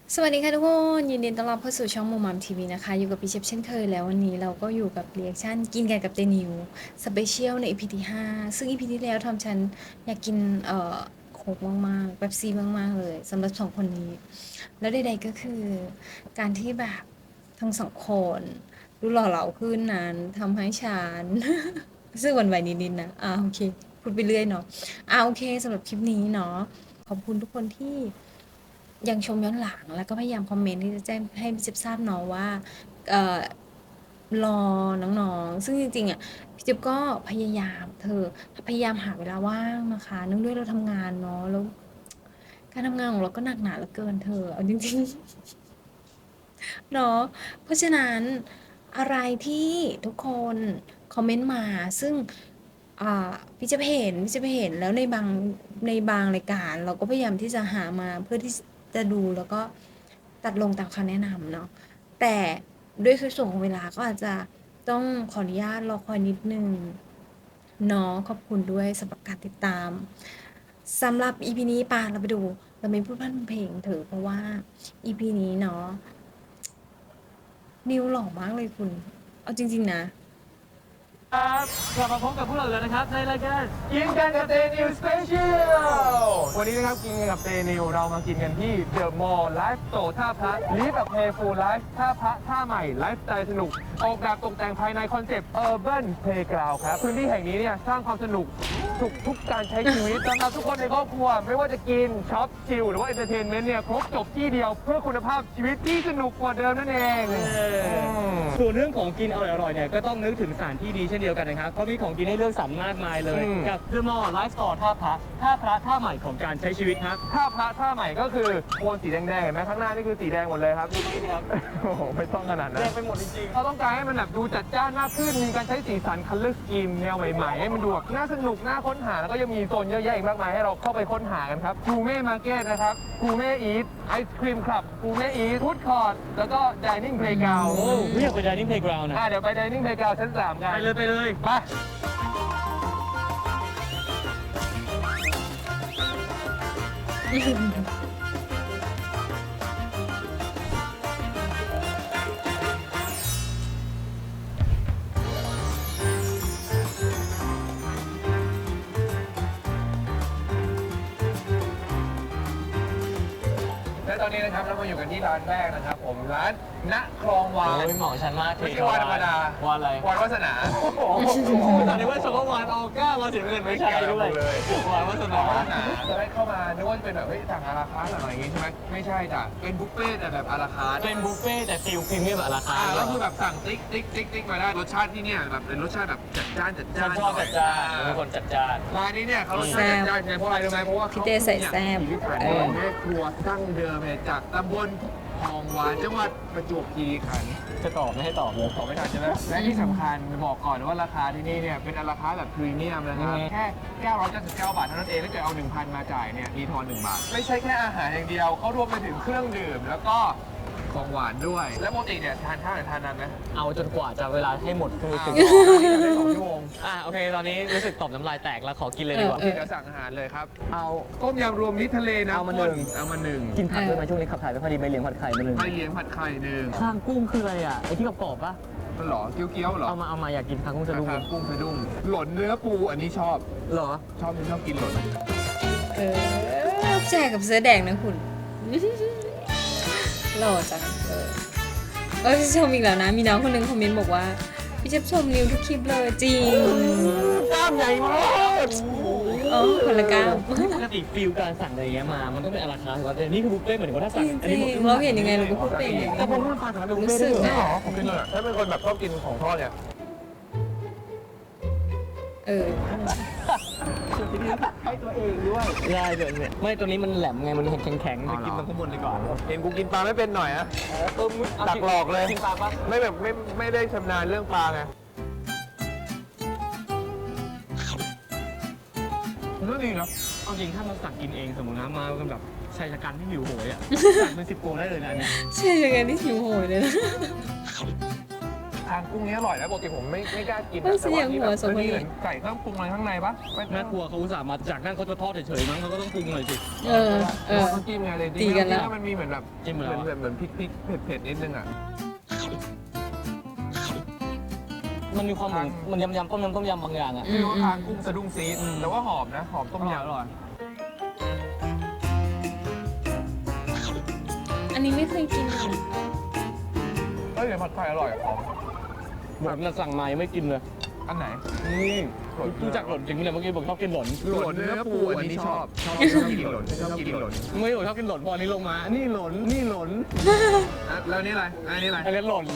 สวัสดีค่ะทุกคนยินดีต้อนรับเข้าสู่ช่องมุมมัมทีวีนะคะอยู่กับพี่เชฟเช่นเคยแล้ววันนี้เราก็อยู่กับรีแอคชั่นกินกันกับเตนิวสเปเชียลใน EP ที่5ซึ่ง EP ที่แล้วทำฉันอยากกินโค้กมากๆเป๊ปซี่มากๆเลยสำหรับสองคนนี้แล้วใดๆก็คือการที่แบบทั้งสองคนดูหล่อเหลาขึ้นนั้นทำให้ฉันซึ่งหวั่นไหวนิดๆนะโอเคพูดไปเรื่อยเนาะโอเคสำหรับคลิปนี้เนาะขอบคุณทุกคนที่ ยังชมย้อนหลังแล้วก็พยายามคอมเมนต์ที่จะแจ้งให้พี่เจิ๊บทราบเนาะว่าเอ่อรอน้องๆซึ่งจริงๆอะพี่เจิ๊บก็พยายามพยายามหาเวลาว่างนะคะเนื่องด้วยเราทำงานเนาะแล้วการทำงานของเราก็หนักหนาเหลือเกินเอาจริงๆเนาะเพราะฉะนั้นอะไรที่ทุกคนคอมเมนต์มาซึ่งพี่จะไปเห็นแล้วในบางรายการเราก็พยายามที่จะหามาเพื่อที่จะดูแล้วก็ตัดลงตามคำแนะนำเนาะแต่ด้วยส่วนของเวลาก็อาจจะต้องขออนุญาตรอคอยนิดนึงเนาะขอบคุณด้วยสำหรับการติดตามสำหรับ EP นี้เราไปดูเราไม่พูดพร่ำเพลงเถอะเพราะว่า EP นี้เนาะนิวหล่อมากเลยคุณเอาจริงๆนะครับกลับมาพบกับพวกเราเลยนะครับในรายการกินกันกับเตนิวสเปเชียลวันนี้นะครับกินกันกับเตนิวเรามากินกันที่เดอะมอลล์ไลฟ์สโตร์ท่าพระลีฟแบบเพย์ฟูลไลฟ์ท่าพระท่าใหม่ไลฟ์สไตล์สนุกออกแบบตกแต่งภายในคอนเซปต์ Urban Playground ครับพื้นที่แห่งนี้เนี่ยสร้างความสนุกทุกการใช้ชีวิตสำหรับทุกคนในครอบครัวไม่ว่าจะกินช็อปชิลหรือว่าเอนเตอร์เทนเมนต์เนี่ยครบจบที่เดียวเพื่อคุณภาพชีวิตที่สนุกกว่าเดิมนั่นเองส่วนเรื่องของกินอร่อยๆเนี่ยก็ต้องนึกถึงสถานที่ดีเช่นเดียวกันนะครับเพราะมีของกินให้เลือกสรรมากมายเลยกับ The Mall Life Store ท่าพระท่าใหม่ของการใช้ชีวิตครับท่าพระท่าใหม่ก็คือโทนสีแดงๆเห็นไหมข้างหน้านี่คือสีแดงหมดเลยครับนี่ครับโอ้โหไม่ต้องขนาดนั้นแดงไปหมดจริงๆเขาต้องการให้มันแบบดูจัดจ้านมากขึ้นมีการใช้สีสันคัลเลอร์สกีมแนวใหม่ๆให้มันดูแบบน่าสนุกน่าค้นหาแล้วก็ยังมีโซนเยอะแยะอีกมากมายให้เราเข้าไปค้นหากันครับกูเม่มาร์เก็ตนะครับกูเม่อีทไอศครีมคลับกูเม่อีทฟู้ดคอร์ทแล้วก็ดิเนิ่งเพลย์กราวด์ไม่อยากไป dining playground นะเดี๋ยวไปดิเนิ่งเพลย์กราวด์ชั้น 3กันไปเลยไปและตอนนี้นะครับเรามาอยู่กันที่ร้านแรกนะครับผมร้านณคลองวานโอ้ยเหมาะฉันมากไม่ใช่วานธรรมดาวานอะไรวานวัฒนาโอ้โหตอนนี้ว่าชมว่าวานออก้ามาเสียเงินไม่ใช่ด้วยวานวัฒนาจะได้เข้ามานึกว่าจะเป็นแบบเฮ้ยสั่งอาราคาร์ทอะไรอย่างงี้ใช่ไหมไม่ใช่จ้ะเป็นบุฟเฟ่ต์แต่แบบอาราคาร์ทเป็นบุฟเฟ่ต์แต่ฟิลพรีเมียมแบบราคาก็คือแบบสั่งติ๊กมาได้รสชาติที่เนี่ยแบบเป็นรสชาติแบบจัดจ้านฉันชอบจัดจ้านเป็นคนจัดจ้านร้านนี้เนี่ยเขารสชาติจัดจ้านไงเพราะอะไรรู้ไหมเพราะว่าเขาพี่เต้ใส่แซ่บมีวิถีแม่ครัวดั้งเดิมเนี่ยจากตำบลคลองวานจังหวัดประจวบคีรีขันธ์จะตอบไม่ให้ตอบเลยตอบไม่ทันใช่ไหมและที่สำคัญบอกก่อนว่าราคาที่นี่เนี่ยเป็นราคาแบบพรีเมียมนะครับแค่999 บาทเท่านั้นเองถ้าเกิดเอา 1,000 มาจ่ายเนี่ยมีทอน1 บาทไม่ใช่แค่อาหารอย่างเดียวเขารวมไปถึงเครื่องดื่มแล้วก็ของหวานด้วยแล้วปกติเนี่ยทานข้าวหรือทานนานไหมเอาจนกว่าจะเวลาให้หมดคือถึงได้2 ชั่วโมงโอเคตอนนี้รู้สึกตอบน้ำลายแตกแล้วขอกินเลยดีกว่าเดี๋ยวสั่งอาหารเลยครับเอาต้มยำรวมมิตรทะเลนะเอามาหนึ่งเอามา1 กินผักด้วยไหมช่วงนี้ขับถ่ายไม่ค่อยดีไม่เลี้ยงผัดไข่มาเลยไม่เลี้ยงผัดไข่1 ข้างกุ้งคืออะไรอ่ะไอ้ที่กรอบๆปะมันหรอเกี๊ยวๆหรอเอามาอยากกินข้างกุ้งสะดุ้งราคากุ้งสะดุ้งหล่นเนื้อปูอันนี้ชอบเหรอชอบกินหล่นแจกกับเสื้อแดงนะคุณหล่อจังชมอีกแล้วนะ มีน้องคนหนึงคอมเมนต์บอกว่า พี่เจ็บชมนิวทุกคลิปเลยจริงกล้ามใหญ่มากคนละก้าวปกติฟิลการสั่งอะไรเงี้ยมามันต้องเป็นอาราคาร์ทแต่นี่คือบุฟเฟ่ต์เหมือนกับถ้าสั่งจริงๆเราเห็นยังไงเราก็พูดเป็นอย่างแต่นั้นผมว่าปลาสั่งเป็นบุฟรู้เฟ่ต์สึกได้เหรอผมกินเลยถ้าเป็นคนแบบชอบกินของทอดเนี่ยให้ตัวเองด้วยได้เลยเนี่ยไม่ตัวนี้มันแหลมไงมันแข็งๆไปกินตรงข้างบนดีกว่าเห็นกูกินปลาไม่เป็นหน่อยอะดักหลอกเลยกินปลาปะไม่ได้ชำนาญเรื่องปลาไงมันก็ดีนะเอาจริงถ้าเราสั่งกินเองสมมตินะมากันแบบชายชะกันที่หิวโหยอ่ะสั่งเป็น10 โปรได้เลยนะเนี่ยใช่ยังไงที่หิวโหยเลยนะคางกุ้งนี้อร่อยนะปกติผมไม่กล้ากินเฮ้ยแต่ว่านี่แบบเสียงหัวสมบูรณ์นี่เหมือนไก่เครื่องปรุงอะไรข้างในปะไม่แม่ครัวเขาอุตส่าห์มาจากนั่นเขาจะทอดเฉยๆมั้งเขาก็ต้องปรุงหน่อยสิเออต้องจิ้มไงเลยตีกันแล้วมันมีเหมือนแบบจิ้มแล้วเหมือนพริกเผ็ดนิดนึงอ่ะมันมีความเหมือนมันยำๆต้มยำบางอย่างอ่ะไม่รู้ว่าคางกุ้งสะดุ้งซีดอืมแต่ว่าหอมนะหอมต้มยำอร่อยอันนี้ไม่เคยกินเลยเฮ้ยเดี๋ยวผัดไทยอร่อยหอมหล่นน่ะสั่งมายังไม่กินเลยอันไหนนี่รู้จักหล่นจริงไหมเนี่ยเมื่อกี้บอกชอบกินหล่นหล่นเนื้อปูอันนี้ชอบกินหล่นชอบกินหล่นไม่บอกชอบกินหล่นพออันนี้ลงมา นี่หล่นนี่หล่นแล้วนี่อะไรอันนี้อะไรอันนี้หล่น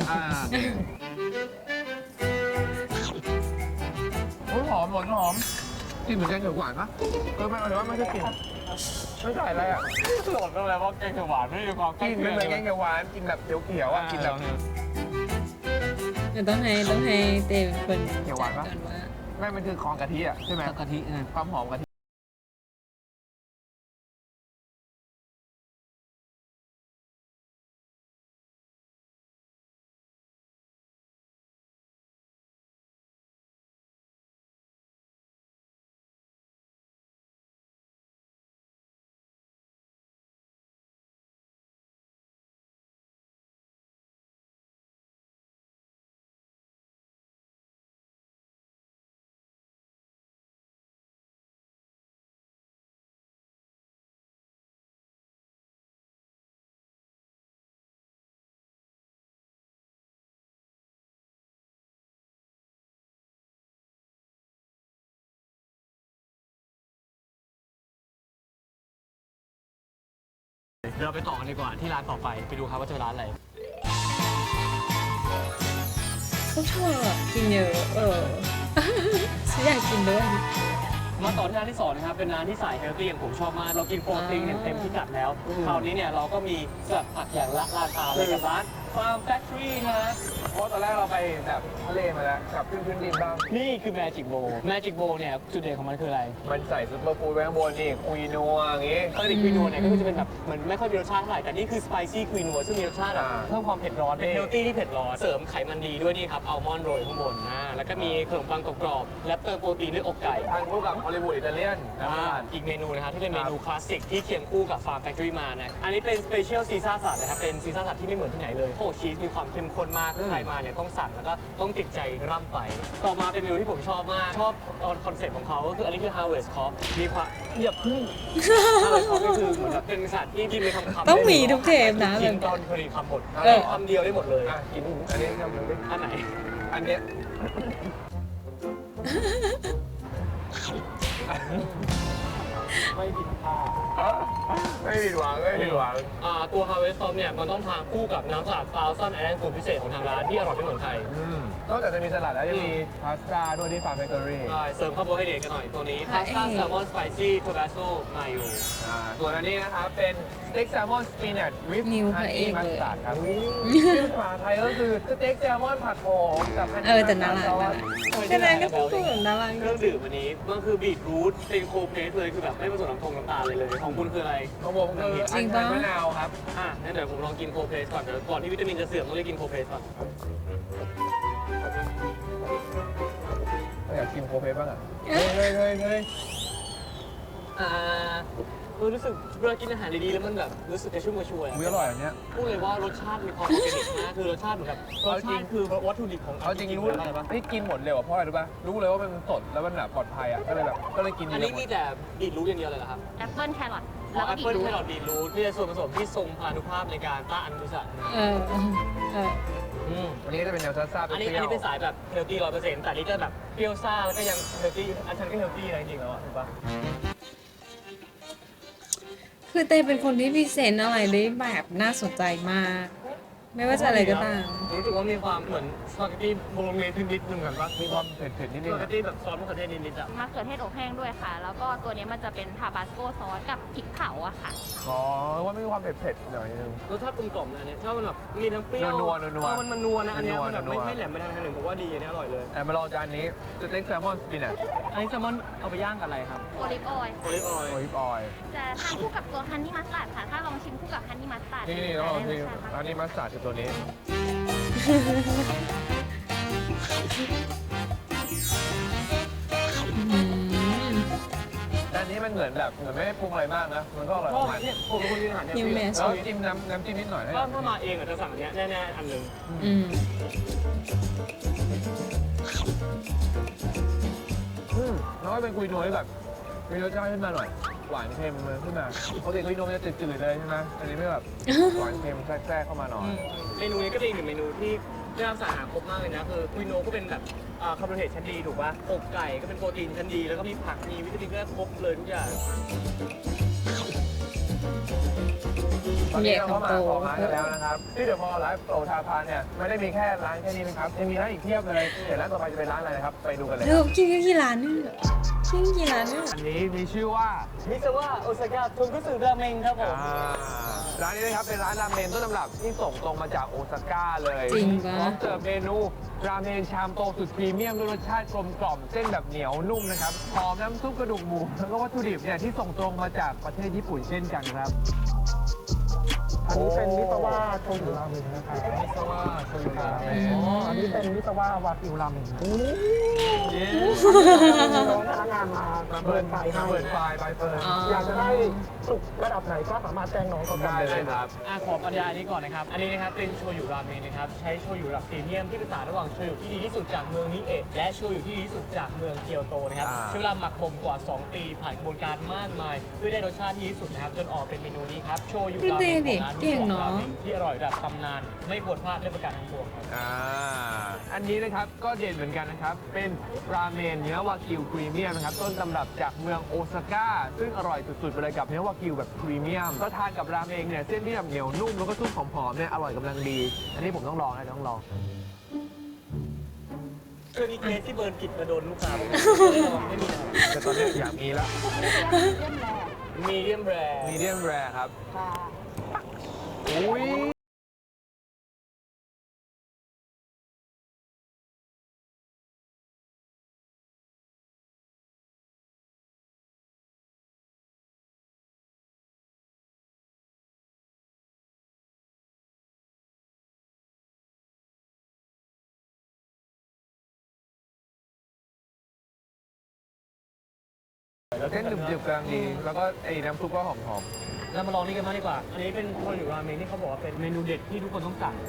โอ้ยหอมหล่นหอมกินเหมือนแกงเขียวหวานปะไม่หรือว่าไม่ใช่กลิ่นไม่ใช่อะไรอ่ะหล่นอะไรวะแกงเขียวหวานไม่มีความกินเหมือนแกงเขียวหวานกินแบบเขียวๆอ่ะกินแบบเดี๋ยวต้องให้เต้เป็นคนเขียวหวานปะจัดก่อนว่าไม่มันคือของกะทิอ่ะใช่ไหมกะทิไงความหอมกะทิเดี๋ยวเราไปต่อกันดีกว่าที่ร้านต่อไปไปดูครับว่าจะเป็นร้านอะไรพวกเธอกินเยอะฉันอยากกินด้วยมาต่อที่ร้านที่สองนะครับเป็นร้านที่สายเฮลตี้อย่างผมชอบมากเรากินโปรตีนเนี่ยเต็มพิกัดแล้วคราวนี้เนี่ยเราก็มีสลัดผักอย่างละราคาเลยกับร้าน Farm Factory นะฮะเพราะตอนแรกเราไปแบบทะเลมาแล้วกลับขึ้นพื้นดินบ้างนี่คือ Magic Bowl Magic Bowl เนี่ยจุดเด่นของมันคืออะไรมันใส่ซุปเปอร์ฟู้ดไว้ข้างบนนี่คุยนัวอย่างงี้ปกติควีนัวเนี่ยก็คือจะเป็นแบบเหมือนไม่ค่อยมีรสชาติเท่าไหร่แต่นี่คือ Spicy ควีนัวซึ่งมีรสชาติแบบอ่าเพิ่มความเผ็ดร้อนเป็นนี่เฮลตี้ที่เผ็ดร้อนเสริมไขมันดีด้วยนี่ครับอัลมอนด์โรยข้างบนแล้วก็มีขนมปังกรอบๆและเติมโปรตีนด้วยอกไก่ทานคู่กับฮอลลีวูดอิตาเลียนนะคอีกเมนูนะครับที่เป็นเมนูคลาสสิกที่เคียงคู่กับ Farm Factory มานะ อันนี้เป็น Special Caesar Salad นะครับ เป็นซีซ่าสัตที่ไม่เหมือนที่ไหนเลย โอ้ชีสมีความเข้มข้นมากใครมาเนี่ยต้องสั่งแล้วก็ต้องติดใจร่ำไป ต่อมาเป็นเมนูที่ผมชอบมาก ชอบคอนเซ็ปต์ของเขาก็คืออันนี้คือ Harvest Crop มีความอย่าพึ่ง Harvest Crop ก็คือเหมือนแบบเป็นสัตว์ที่กินเป็นคำๆต้องมีทุกเทปนะกินตอนพอดีคำหมดเออคำเดียวได้หมดเลยอ่ะกินอันนี้ทำเลยอันไหนอันเนี้ยไม่ผิดพลาดไม่ผิดหวังไม่ผิดหวังตัว Harvest Crop เนี่ยมันต้องทานคู่กับน้ำสลัด Thousand Island สูตรพิเศษของทางร้านที่อร่อยที่เมืองไทยนอกจากจะมีสลัดแล้วยังมีพาสต้าด้วยที่ฟาร์มเบเกอรี่ใช่เสริมคาร์โบไฮเดรตกันหน่อยตัวนี้พาสต้าแซลมอนสไปซี่โทบาโซมายูส่วนอันนี้นะครับเป็นสเต็กแซลมอนสปินัทวิปนิ้วพฮันระเอนี่กมัเลสยตาร์ดครับชื่อภาษาไทยก็คือสเต็กแซลมอนผัดหอมกับฮันนี่แต่น่ารักนะแต่นั้นก็ต้องตัวน่ารักเครื่องดื่มอันนี้มันคือบีทรูทเป็นโคเพรสเลยคือแบบไม่ผสมน้ำตาลเลยของคุณคืออะไรของผมคืออันชันมะนาวครับงั้นเดี๋ยวผมลองกินโคเพรสก่อนเดี๋ยวก่อนที่วิตามินจะเสื่อมต้องเรียกกินโคเพรสก่อนอยากกินโคเฟสบ้างอ่ะเฮ้ยรู้สึกเวลากินอาหารดีๆแล้วมันแบบรู้สึกกระชุ่มกระชวยอุ๊ยอร่อยอันเนี้ยพูดเลยว่ารสชาติมีความออร์แกนิกมากคือรสชาติเหมือนแบบรสชาติคือวัตถุดิบของเอาจริงรู้อะไรปะนี่กินหมดเร็วอ่ะเพราะอะไรรู้ป่ะรู้เลยว่ามันสดแล้วมันแบบปลอดภัยอ่ะก็เลยกินอันนี้มีแต่บีทรูทอย่างเดียวเลยเหรอครับแอปเปิลแครอทแล้แล้ว วแอก็ปบีเปิลทรูแคทรอทบีทรูทที่เป็นส่วนผสมที่ทรงพานุภาพในการต้านอนุมูลอิสระอันนี้ก็จะเป็นแนวซ่าๆอันนี้เปรี้ยวเป็นสายแบบเฮลตี้100%แต่อันนี้จะแบบเปรี้ยวซ่าแล้วก็ยังเฮลตี้อันฉันก็เฮลตี้นะจริงๆแล้วอ่ะถูกปะคือเต้เป็นคนที่พรีเซนต์อะไรได้แบบน่าสนใจมาก ไม่ว่าจะอะไรก็ตามรู้สึกว่ามีความเหมือนสปาเกตตี้โบโลเนสนิดๆนึงเหมือนปะมีความเผ็ดๆนิดสนึงปาเกตตี้แบบซอสมะเขือเทศนิดๆอ่ะมะเขือเทศอบแห้งด้วยค่ะ แล้วก็ตัวนี้มันจะเป็นทาบาสโกซอสกับพริกเผาอะค่ะอ๋อว่ามีความเผ็ดๆหน่อยนึงรสชาติกลมกล่อมนะอันเนี่ยถ้ามันแบบมีทั้งเปรี้ยวนัวๆมันนัวนะอันเนี้ยนัวๆมันแบบนัวๆไม่แหลมไปทางไหนผมว่าดีอันนี้อร่อยเลยมาลองจานนี้สเต็กแซลมอนสปินัทอันนี้แซลมอนเอาไปย่างกับอะไรครับโอลิฟออยล์โอลิฟออยล์โอลิฟออยล์จะทานคู่กับตัวฮันนี่มัสตาร์ดค่ะ ถ้าลองชิมคู่กับฮันนี่มัสตาร์ดนี่ต้องลองชิมจะได้รสชาติมากอันนี้มัสตาร์ดคือตัวนี้อืมแต่อันนี้มันเหมือนแบบเหมือนไม่ได้ปรุงอะไรมากนะ มันก็อร่อยก็ประมาณเนี่ยผมเป็นคนกินอาหารเนี่ยยังแมสแล้วจิ้มน้ำจิ้มนิดหน่อยให้ถ้ามาเองอาจจะสั่งเนี้ยแน่ๆอันหนึงอืมน้อยเป็นกุยโนที่แบบมีรสชาติขึ้นมาหน่อย หวานเค็มขึ้นมาปกติกุยโนมันจะจืดๆเลยใช่ไหมอันนี้ไม่แบบหวานเค็มแทรกเข้ามาหน่อยเมนูนี้ก็เป็นอีกหนึ่งเมนูที่ได้รับสารอาหารครบมากเลยนะคือคุยโนก็เป็นแบบคาร์โบไฮเดรตชั้นดีถูกป่ะอกไก่ก็เป็นโปรตีนชั้นดีแล้วก็มีผักมีวิตามินก็ครบเลยทุกอย่างตอนนี้เราก็มาของร้านกันแล้วนะครับ ที่เดอะมอลล์ไลฟ์โตทาพาเนี่ยไม่ได้มีแค่ร้านแค่นี้นะครับยังมีร้านอีกเพียบเลยเดี๋ยวร้านต่อไปจะเป็นร้านอะไรนะครับไปดูกันเลยเธอกินกันกี่ร้านเนี่ยกินกี่ร้านเนี่ยอันนี้มีชื่อว่ามิซาวะโอซากะทงคุสึราเมงครับผมร้านนี้นะครับเป็นร้านราเมนต้นตำรับที่ส่งตรงมาจากโอซาก้าเลยจริงปะพร้อมเสิร์ฟเมนูราเมนชามโตสุดพรีเมียมด้วยรสชาติกลมกล่อมเส้นแบบเหนียวนุ่มนะครับหอมน้ำซุปกระดูกหมูแล้วก็วัตถุดิบเนี่ยที่ส่งตรงมาจากประเทศญี่ปุ่นเช่นกันครับอันนี้เป็นมิซาวะโชยุราเมงนะครับมิซาวะโชยุราเมนอันนี้เป็นมิซาวะวากิวราเมงเย้น้องพนักงานมาเบิร์นไฟให้เปิดไฟล์ไปเปิดอยากจะได้สุกระดับไหนก็สามารถแจ้งน้องเขาได้เลยครับขอบรรยายอันนี้ก่อนนะครับ อันนี้นะครับเป็นโชยุราเมงนะครับใช้โชยุระดับพรีเมียมที่ผสานระหว่างโชยุที่ดีที่สุดจากเมืองนิเอะและโชยุที่ดีที่สุดจากเมืองเกียวโตนะครับใช้เวลาหมักบ่มกว่า 2 ปีผ่านกระบวนการมากมายเพื่อได้รสชาติที่ดีที่สุดนะครับจนออกเป็นเมนูนี้ครับโชยุราเมงของร้านเก่งเนอะที่อร่อยระดับตำนานไม่ควรพลาดด้วยประการทั้งปวงครับอันนี้นะครับก็เด่นเหมือนกันนะครับ เป็นราเมนเนื้อวากิวพรีเมียมนะครับต้นตำรับจากเมืองโอซาก้าซึ่งอร่อยสุดๆไปเลยกับเนื้อวากิวแบบพรีเมียมก็ทานกับราเมงเนี่ยเส้นที่แบบเหนียวนุ่มแล้วก็ซุปหอมๆเนี่ยอร่อยกำลังดี อันนี้ผมต้องลองนะต้องลองคือมีเคสที่เบิร์นผิดมาโดนลูกค้าผมไม่มีแต่ตอนนี้อยากมีแล้วมีเดียมแรร์มีเดียมแรร์ครับอุ้ยเส้นดึบๆกำลังดี แล้วก็ไอ้น้ำซุปก็หอมเรามาลองนี่กันบ้างดีกว่า อันนี้เป็นโชยุราเมงที่เขาบอกว่าเป็นเมนูเด็ดที่ทุกคนต้องสั่ง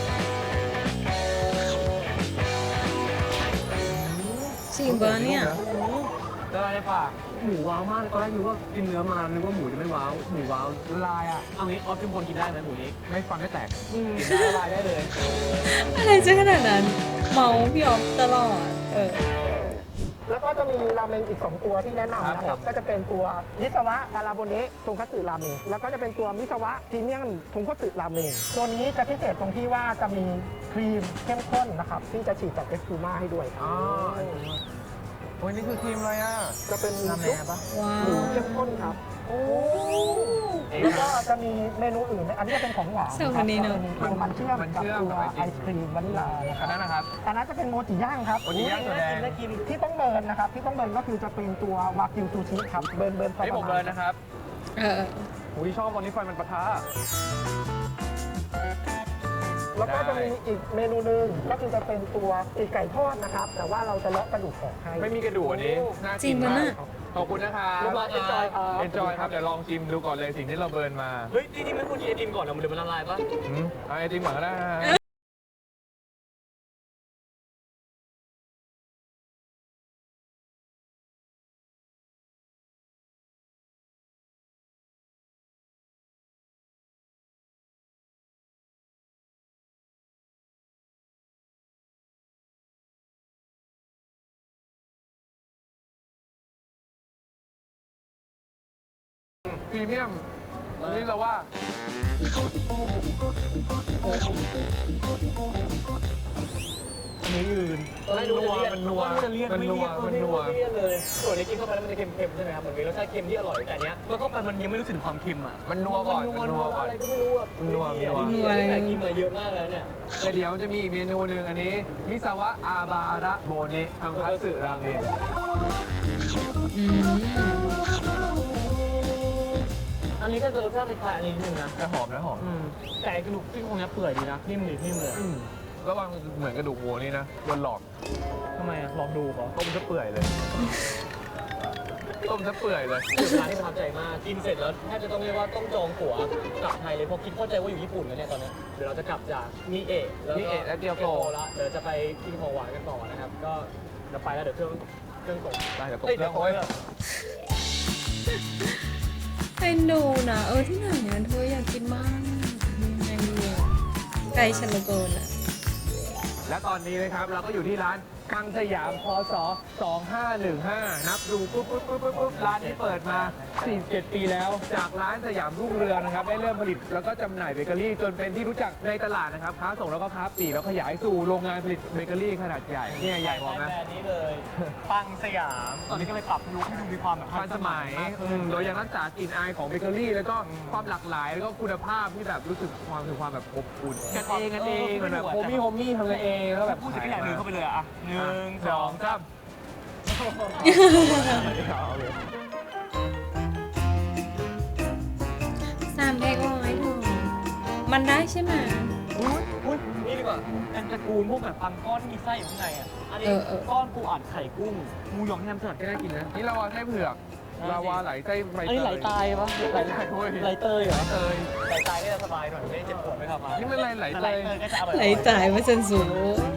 จริงปะเนี่ยละลายในปากหมูว้าวมากตอนแรกนึกว่ากินเนื้อมานึกว่าหมูจะไม่ว้าวหมูว้าวๆละลายอ่ะเอางี้ออฟทุกคนกินได้ไหมหมูนี้ไม่ฟันไม่แตกกินได้ละลายได้เลยอะไรจะขนาดนั้น เมาพี่ออฟตลอดแล้วก็จะมีราเมงอีก 2 ตัวที่แนะนำนะคครัรับบ ผมก็จะเป็นตัวมิซาวะอาราโบเนะทงคัตสึราเมงแล้วก็จะเป็นตัวมิซาวะพรีเมียมทงคัตสึราเมงตัวนี้จะพิเศษตรงที่ว่าจะมีครีมเข้มข้นนะครับที่จะฉีดจากเอสพูม่าให้ด้วยครับอ๋อโอ้ยนี่คือครีมอะไรอ่ะจะเป็นราเมซุงปปะว้าหมูวเข้มข้นครับแล้วก็จะมีเมนูอื่นอันนี้จะเป็นของหวานสองอันนี้เนอะตัวมันเชื่อมกับตัวไอศครีมวานิลลานะคอันรับนั้นนะครับอันนั้นจะเป็นโมจิย่างครับโมจิย่าง ถั่วแดงน่ากินที่ต้องเบิร์นนะครับที่ต้องเบิร์นก็คือจะเป็นตัววากิวซูชิครับเบิร์นพอนี่ปผระมมาณเลยนะครับเอออุ้ยชอบตอนนี้ไฟมันปะทะแล้วก็จะมีอีกเมนูหนึ่งก็คือจะเป็นตัวปีกไก่ทอดนะครับ แต่ว่าเราจะเลาะกระดูกออกให้ไม่มีกระดูกอันนี้น่าจริกิงนปะมาน่ะกขอบคุณนะครับเรียบร้อยครับเอนจอยครับ เดี๋ยวลองชิมดูก่อนเลยสิ่งที่เราเบิร์นมาเฮ้ยจริงๆไม่ควรกินไอติมก่อนนะมันเดี๋ยวมันละลายปะเอาไอติมก่อนก็ได้พรีเมียมอันนี้เราว่าอันนี้ยืนมันนัวจะเลี่ยนมันนัวไม่เลี่ยนเลยส่วนนี้กินเข้าไปแล้วมันจะเค็มๆใช่ไหมครับมันมีรสชาติเค็มที่อร่อยแต่อันเนี้ยมันเข้าไปมันยังไม่รู้สึกถึงความเค็มอ่ะมันนัวก่อนมันนัวก่อนอะไรก็ไม่รู้อ่ะมันนัวแต่กินมาเยอะมากแล้วเนี่ยแต่เดี๋ยวจะมีอีกเมนูหนึ่งอันนี้ มิซาวะอาบาระโบเนะทางคัตสึราเมนอืมอันนี้ก็จะรสชาติคล้ายๆอันนี้นิดนึงนะแต่หอมนะหอมแต่กระดูกที่ตรงนี้เปื่อยดีนะนิ่มดีนิ่มเลยอระวังเหมือนกระดูกวัวนี่นะโดนหลอกทำไมอะลองดูเหรอต้มซะเปื่อยเลย ต้มซะเปื่อยเลยร้านที่ประทับใจมาก กินเสร็จแล้วแทบจะต้องเรียกว่าต้องจองตั๋วกลับไทยเลยเพราะคิดเข้าใจว่าอยู่ญี่ปุ่นแล้วเนี่ยตอนนี้เดี๋ยวเราจะกลับจากมิเอะแล้วมิเอะและเกียวโตแล้วเดี๋ยวจะไปกินของหวานกันต่อนะครับ ก็จะไปแล้วเดี๋ยวเครื่องตกได้เดี๋ยวตกเอ้ยเครื่เดี๋อย งวตกโอ้ยเครื่องเป็นดูนะที่ไหนเนี่ยเธออยากกินมากยังไงเนี่ยไกลฉันเหลือเกินอะและตอนนี้นะครับเราก็อยู่ที่ร้านปังสยามพศ 2515 นับดูปุ๊บร้านนี้เปิดมา 47 ปีแล้ว จากร้านสยามรุ่งเรืองนะครับ ได้เริ่มผลิตแล้วก็จำหน่ายเบเกอรี่จนเป็นที่รู้จักในตลาดนะครับ ค้าส่งแล้วก็ค้าปลีกแล้วขยายสู่โรงงานผลิตเบเกอรี่ขนาดใหญ่เนี่ยใหญ่พอแบไหมรนด์นี้เลย ปังสยาม ตอนนี้ก็เลยปรับลุคให้ดูมีความแบบทันสมัยมากขึ้นโดยยังรักษากลิ่นอายของเบเกอรี่ แล้วก็ความหลากหลายแล้วก็คุณภาพที่แบบรู้สึกความแบบอบอุ่นกันเองเหมือนแบบโฮมี่ทำกันเองแล้วแบบพูดถึงอย่างหนึ่งเข้าไปเลยอ่ะหนึ่งสองสาม 300ถูกมันได้ใช่ไหมอุ้ยนี่ดีกว่าเป็นตระกูลพวกแบบปังก้อนที่มีไส้อยู่ข้างในอ่ะ อันนี้ก้อนปูอัดไข่กุ้งหมูหยองแฮมสลัดก็น่ากินนะนี่ลาวาไส้เผือกลาวาไหลไส้ใบอันเตนี้ไหลยตายปะไหลไหลเตยไหลเตยเหรอเตยไหลตายก็จะสบายหน่อยไม่ได้เจ็บปวดไม่ครับมานี่มันไหลแต่เตไหลยเตยก็จะอร่อยไหลจ่ายมาจนสูง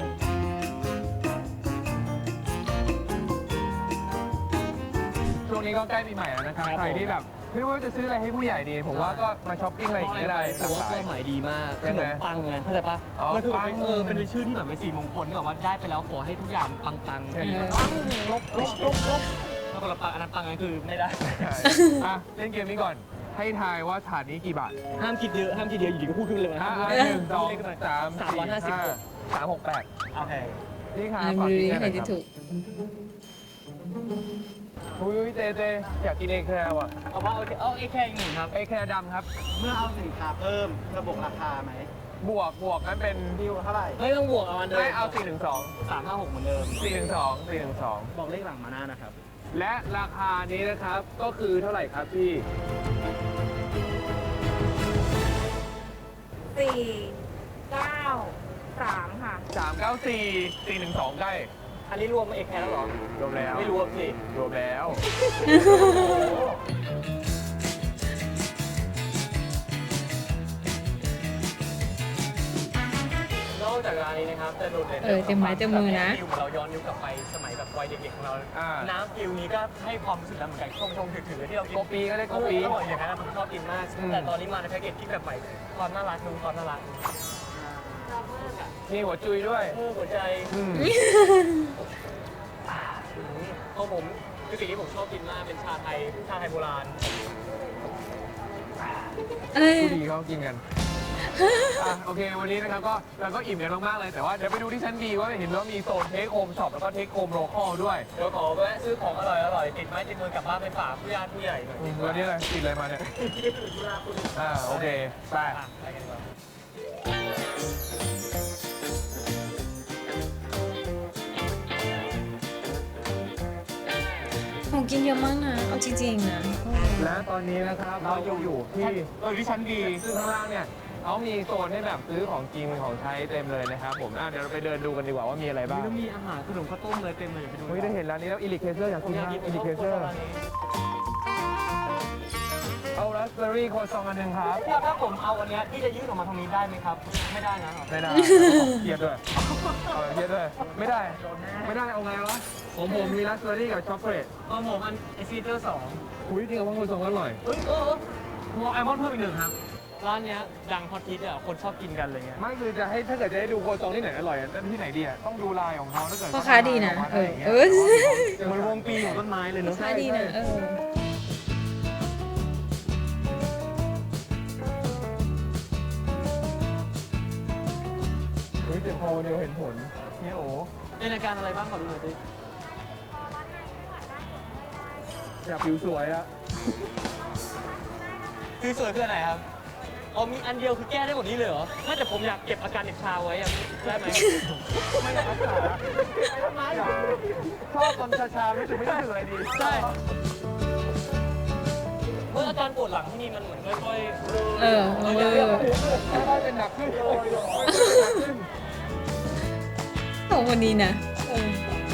ช่วงนี้ก็ใกล้ปีใหม่แล้วนะครับใครที่แบบไม่รู้ว่าจะซื้ออะไรให้ผู้ใหญ่ดี ผมว่าก็มาช้อปปิ้งอะไรอย่างเงี้ยได้หแต่ลากว่าหลายความหมายดีมากขยังนไงมปังไงเข้าใจปะอ๋อมันคือปังเป็นชื่อที่แบบเป็นสีมงคลที่แบบว่าได้ไปแล้วขอให้ทุกอย่างปังๆเออลบถ้าคนละปังอันนั้นปังอันนั้นคือไม่ได้อ่ะเล่นเกมนี้ก่อน ให้ทายว่าถาดนี้กี่บาทห้ามคิดเยอะห้ามคิดเยอะอยู่ดีก็พูดขึ้นเลยนะอ่ะห้ามหนึ่งสองเลขขึ้นไปสาม 350 368 โอเคนี่ครับอ่านฝากดูกิดินใครได้จะครับถูกอุ้ยเจอยากกินเอแคร์ว่ะเอาว่าเอาเอแค่อีกหนึ่งครับเอแคร์ดำครับเมื่อเอาสินค้าเพิ่มระบบราคาไหมบวกงั้นเป็นดิวเท่าไหร่ไม่ต้องบวกเอาอันเดิมไม่เอา412 356เหมือนเดิม 412 บอกเลขหลังมาหน้านะครับและราคานี้นะครับก็คือเท่าไหร่ครับพี่ 493 ค่ะ 394 412 ใกล้อันนี้รวมเอแค่แล้วเหรอรวมแล้วไม่รวมสิรวมแล้วนอกจากร้านนี้นะครับจะโดดเด่นเต็มไม้เต็มมือนะฟิลเราย้อนยุคกลับไปสมัยแบบวัยเด็กๆของเราอ่าน้ำฟิลนี้ก็ให้ความรู้สึกนั้นเหมือนกันชงๆถือๆที่เรากินโกปีก็ได้โกปีอร่อยอย่างนั้นผมชอบกินมากอืมแต่ตอนนี้มาในแพ็กเกจที่แบบใหม่ความน่ารักดูความน่ารักมีหัวจุยด้วยหัวใจอืมของผมคือสิ่งที่ผมชอบกินมากเป็นชาไทยโบราณอะไรผู้ดีเขากินกันอ่ะโอเค วันนี้นะครับก็เราก็อิ่มกันมากๆเลย แต่ว่าเดี๋ยวไปดูที่ชั้นดีว่าเห็นว่ามีโซนเทคโฮมช็อปแล้วก็เทคโฮมโลคอลด้วยเดี๋ยวขอแวะซื้อของอร่อยๆติดไม้ติดมือกลับบ้านไปฝากผู้ญาติผู้ใหญ่หน่อยดีกวันนี้อะไรติดอะไรมาเนี่ย โอเค ไปไปกันดีกว่าของกินเยอะมากนะ เอาจริงๆนะและตอนนี้นะครับเราอยู่ที่ชั้นดีซึ่งข้างล่างเนี่ยเขามีโซนให้แบบซื้อของกินของใช้เต็มเลยนะครับผมเดี๋ยวเราไปเดินดูกันดีกว่าว่ามีอะไรบ้างแล้วมีอาหารขนมข้าวต้มเลยเต็มเลยไปดูเฮ้ยได้เห็นร้านนี้แล้วอิลิเคเซอร์อยากผมกินอยากมากกินอิลิเคเซอร์เอาราสเบอร์รี่โคซองอันหนึ่งครับพี่ถ้าผมเอาอันเนี้ยพี่จะยื่นออกมาทางนี้ได้ไหมครับ ไม่ได้นะไม่ได้เทียบด้วยเอาเทียบด้วยไม่ได้เอาไงวะของผมมีราสเบอร์รี่กับช็อกโกแลตเอาผมอันไอซีเตอร์สองอุ้ยจริงๆว่าโคซองอร่อยเฮ้ยผมเอาไอมอนเพิ่มอีกหนึ่งครับ ร้านเนี้ยดังฮอตฮิตอ่ะคนชอบกินกันอะไรเงี้ยไม่คือจะให้ถ้าเกิดจะให้ดูโคซองที่ไหนอร่อยที่ไหนดีอ่ะต้องดูลายของเขาถ้าเกิดพ่อค้าดีนะเออเหมือนวงปีของต้นไม้เลยเนอะค้าดีนะเฮ้ยแต่พอเดียวเห็นผลเนี่ยโอ้ในรายการอะไรบ้างขอดูหน่อยสิอยากผิวสวยอะคือสวยคืออะไรครับอ๋อมีอันเดียวคือแก้ได้หมดนี้เลยเหรอไม่แต่ผมอยากเก็บอาการเด็กชาไว้อะได้ไหมไม่อยากรักษาชอบตอนชาๆรู้สึกไม่รู้สึกอะไรดีใช่เมื่ออาการปวดหลังที่นี่มันเหมือนค่อยๆเออค่อยๆเป็นหนักขึ้นองคนนี้นะเออ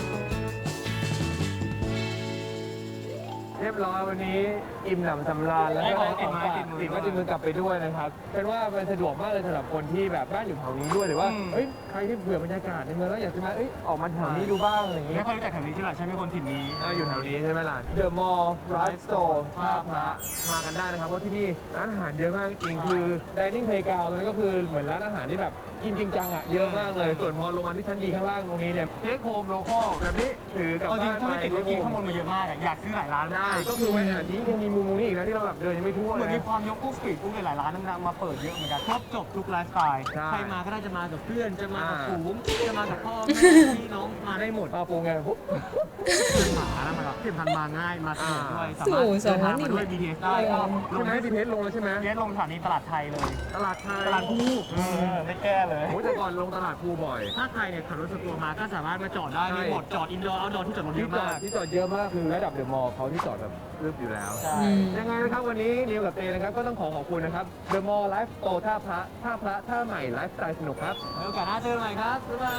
เรียบร้อยวันนี้อิ่มหนำสำราญแล้วก็ได้ของฝากติดไม้ติดมือกลับไปด้วยนะครับเป็นว่ามันสะดวกมากเลยสำหรับคนที่แบบบ้านอยู่แถวนี้ด้วยหรือว่าเอ้ยใครที่เบื่อบรรยากาศในเมืองแล้วอยากจะมาออกมาแถวนี้ดูบ้างอะไรอย่างเงี้ยไม่ค่อยรู้จักแถวนี้ใช่ไหมฉันเป็นคนถิ่นนี้อยู่แถวนี้ใช่ไหมล่ะ The Mall Drive Store ท่าพระมากันได้นะครับเพราะที่นี่ร้านอาหารเยอะมากจริงคือ Dining Playground ตรงนี้ก็คือเหมือนร้านอาหารที่แบบกินจริงจังอ่ะเยอะมากเลยส่วนพอลงมาที่ชั้นดีข้างล่างตรงนี้เนี่ยเทคโฮมโลคอลแบบนี้ถือกลับเอาจริบ้าง นถ้าไม่ติดรถกินข้างบนมาเยอะมากอะอยากซื้อหลายร้านได้ก็คือไว้อ่านนี้ยังมีมุมนี้อีกนะที่เราแบบเดินยังไม่ทั่วเหมือนมีนะความยกพวกสตรีทพวกหลายๆร้านดังๆมาเปิดเยอะเหมือนกันครบจบทุกไลฟ์สไตล์ใช่ใครมาก็ได้จะมากับเพื่อนจะมากับฝูงจะมากับพ่อแม่พี่น้องมาได้หมดปลาปูไงพวกหมานะมันที่สำคัญมาง่ายมาสะดวกด้วยสาสู่มารถสองเดินทางนี่มาด้วย BTS ได้ก็ลใช่งไหมดีเพสลงแล้วใช่ไหม BTS ลงสถานีตลาดไทยเลยตลาดไทยตลาดภูไม่แก้เลยโอ้ยแต่ก่อนลงตลาดภูบ่อยถ้าใครเนี่ยขับรถส่วนตัวมาก็สามารถมาจอดได้มีหมดจอดอินดอร์เอาท์ดอร์ที่จอดรถเยที่อะจอมาดกที่จอดเยอะมากคือระดับเดอะมอลล์เขาที่จอดแบบรึบอยู่แล้วใช่อืมยังไงนะครับวันนี้นิวกับเตนะครับก็ต้องขอบคุณนะครับ The Mall Life Store ท่าพระท่าใหม่ไลฟ์สไตล์สนุกครับไว้โอกาสหน้าเจอกันใหม่ครับ บ๊ายบาย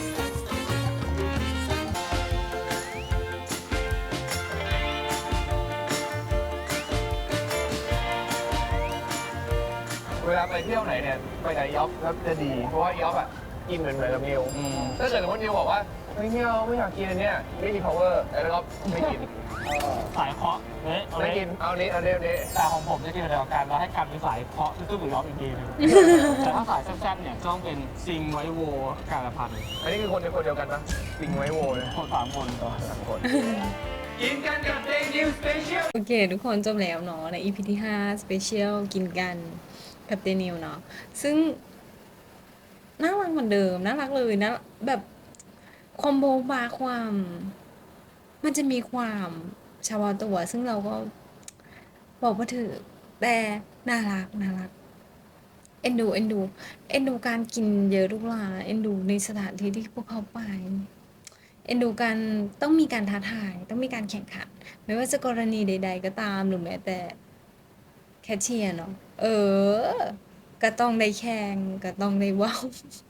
เวลาไปเที่ยวไหนเนี่ยไปไหนยอฟแล้วจะดี เพราะว่ายอฟอ่ะกินเหมือนกับนิวถ้าเกิดสมมตินิวบอกว่าเฮ้ยไม่เอาไม่อยากกินอันเนี้ยไม่มี power แล้วก็ไม่กินสายเคาะเละเอาไม่เละกินเอานี้เอาเนี้เอานี้แต่ของผมจะกินแบบการเราให้กันเป็นสายเคาะตื้อๆหรือยอฟอีกทีหนึงแต่ถ้าสายแซ่บๆเนี่ยต้องเป็นซิงไวโวการพันอันนี้คือคนเดียวกันปะสิงไว้โวเลยคนสามคนต่อ 3 คนกินกันกับ Day New Special โอเค ทุกคนจบแล้วเนาะใน EP ที่5 Special กินกันกับเตนิวเนาะซึ่งน่ารักเหมือนเดิมน่ารักเลยนะแบบความโบบาความมันจะมีความชาวาตัว ซึ่งเราก็บอกว่าถือแต่น่ารักน่ารักเอ็นดูเอ็นดูเอ็นดูการกินเยอะทุกร้านเอ็นดูในสถานที่ที่พวกเขาไป เอ็นดูการต้องมีการท้าทายต้องมีการแข่งขัน ไม่ว่าจะกรณีใด ๆ ก็ตามหรือแม้แต่แคชเชียร์เนาะก็ต้องได้แข่งก็ต้องได้ว้าว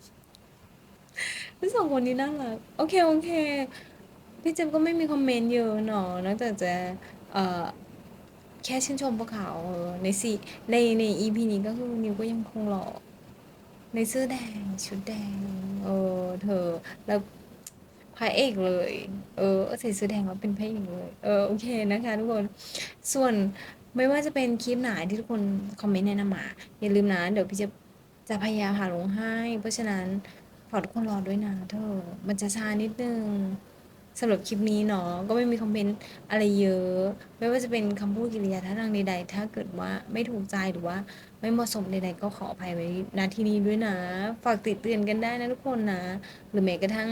ทั้งสองคนนี้น่ารักโอเคโอเคพี่เจมส์ก็ไม่มีคอมเมนต์เยอะเนาะนอกจากจะเอ่อแค่ชื่นชมพวกเขาใน EP นี้ก็คือนิวก็ยังคงหล่อในเสื้อแดงชุดแดงเธอแล้ว พระเอกเลย ใส่เสื้อแดงแล้วเป็นพระเอกเลย โอเคนะคะทุกคน ส่วนไม่ว่าจะเป็นคลิปไหนที่ทุกคนคอมเมนต์แนะนำมา อย่าลืมนะ เดี๋ยวพี่จะพยายามหาลงให้ เพราะฉะนั้นฝากทุกคนรอด้วยนะเธอ มันจะช้านิดนึงสำหรับคลิปนี้เนาะ ก็ไม่มีคอมเมนต์อะไรเยอะ ไม่ว่าจะเป็นคำพูดกิริยาท่าทางใดๆ ถ้าเกิดว่าไม่ถูกใจหรือว่าไม่เหมาะสมใดๆ ก็ขออภัยไว้ณที่นี้ด้วยนะ ฝากติดเตือนกันได้นะทุกคนนะ หรือแม้กระทั่ง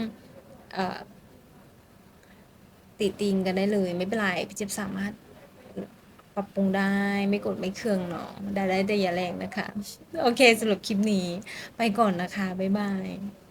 ติติงกันได้เลยไม่เป็นไรพี่เจี๊ยบสามารถปรับปรุงได้ไม่กดไม่เคืองเนาะได้แต่อย่าแรงนะคะ โอเคสำหรับคลิปนี้ไปก่อนนะคะ บ๊ายบาย